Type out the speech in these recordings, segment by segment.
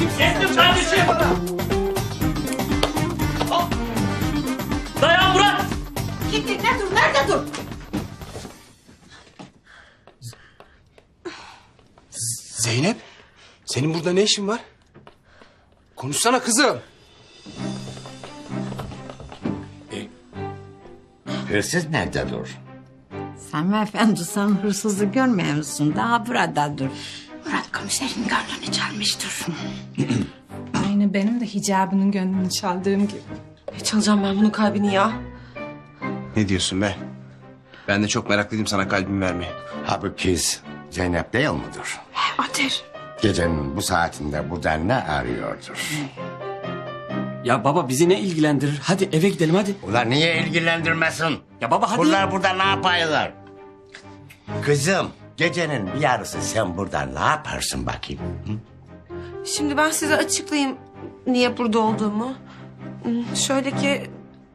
kardeşim, geldim kardeşim. Dayan Murat. Gittik ne dur nerede dur? Zeynep, senin burada ne işin var? Konuşsana kızım. Hırsız nerede dur? Sami Efendi sen hırsızı görmüyor musun? Daha burada dur. Murat komiserin gönlünü çalmıştır. Aynı benim de hicabının gönlünü çaldığım gibi. Çalacağım ben bunun kalbini ya. Ne diyorsun be? Ben de çok meraklıydım sana kalbimi vermeye. Ha bu kız Zeynep değil midir? Ateş. Gecenin bu saatinde burada ne arıyordur? Ya baba bizi ne ilgilendirir? Hadi eve gidelim hadi. Ulan niye ilgilendirmesin? Ya baba hadi. Bunlar burada ne yapıyorlar? Kızım gecenin bir yarısı sen burada ne yaparsın bakayım? Şimdi ben size açıklayayım niye burada olduğumu. Şöyle ki...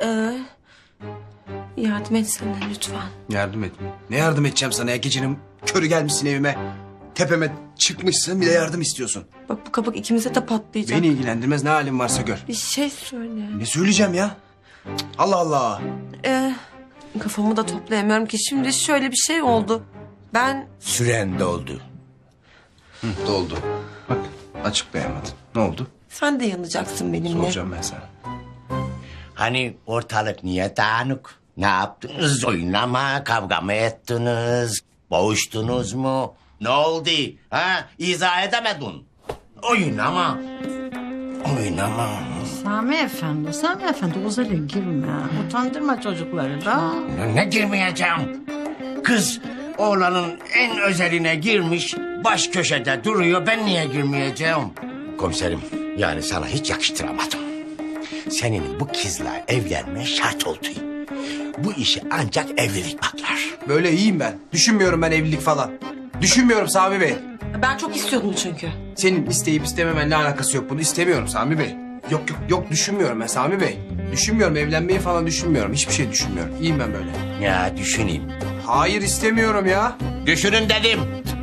yardım etsene lütfen. Yardım et. Ne yardım edeceğim sana ya? Gecenin körü gelmişsin evime. Tepeme çıkmışsın bir de yardım istiyorsun. Bak bu kabak ikimize de patlayacak. Beni ilgilendirmez ne halin varsa gör. Bir şey söyle. Ne söyleyeceğim ya? Cık, Allah Allah. Kafamı da toplayamıyorum ki. Şimdi şöyle bir şey oldu. Ben Süren doldu. Doldu. Bak açıklayamadın. Ne oldu? sen de yanacaksın benimle. Soracağım ben sana. Hani ortalık niye dağınık? Ne yaptınız? Oynama, kavga mı ettiniz? Boğuştunuz mu? Ne oldu? Ha? İzah edemedin. Oynama. Oynama. Sami Efendi uzayla girme. Utandırma çocukları da. Ne girmeyeceğim? Kız oğlanın en özeline girmiş, baş köşede duruyor. Ben niye girmeyeceğim? Komiserim, yani sana hiç yakıştıramadım. Senin bu kızla evlenme şart oldu. Bu işi ancak evlilik patlar. Böyle iyiyim ben. Düşünmüyorum ben evlilik falan. Düşünmüyorum Sami Bey. Ben çok istiyordum çünkü. Senin isteyip istememenle alakası yok. Bunu istemiyorum Sami Bey. Yok düşünmüyorum ben Sami Bey. Düşünmüyorum evlenmeyi falan düşünmüyorum. Hiçbir şey düşünmüyorum. İyiyim ben böyle. Ya düşüneyim. Hayır istemiyorum ya. Düşünün dedim.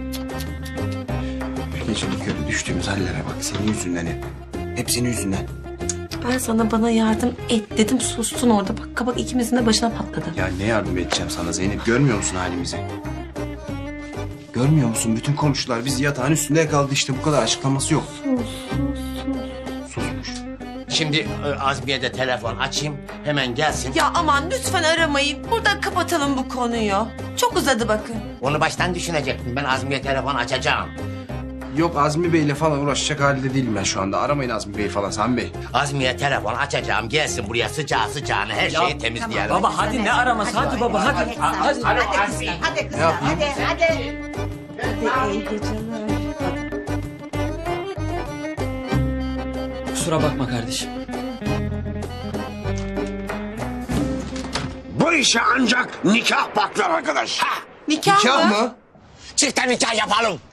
Gecenin körü düştüğümüz hallere bak. Senin yüzünden hep. Hep senin yüzünden. Ben sana bana yardım et dedim sustun orada. Bak kabak ikimizin de başına patladı. Ya ne yardım edeceğim sana Zeynep? Görmüyor musun halimizi? Görmüyor musun? Bütün komşular bizi yatağın üstünde yakaladı işte. Bu kadar açıklaması yok. Susmuş. Şimdi Azmiye de telefon açayım. Hemen gelsin. Ya aman lütfen aramayın. Burada kapatalım bu konuyu. Çok uzadı bakın. Onu baştan düşünecektim. Ben Azmiye telefon açacağım. Yok Azmi Bey'le falan uğraşacak halde değilim ben şu anda. Aramayın Azmi Bey falan Sami Bey. Azmiye telefon açacağım. Gelsin buraya sıcağı sıcağına her şeyi temizleyelim. Baba hadi ne araması? Hadi baba hadi. Hadi. Hadi kızlar hadi kızlar hadi. İyi geceler. Kusura bakma kardeşim. Bu işe ancak nikah baklar arkadaş. Ha! Nikah mı? mı? Çifte nikah yapalım.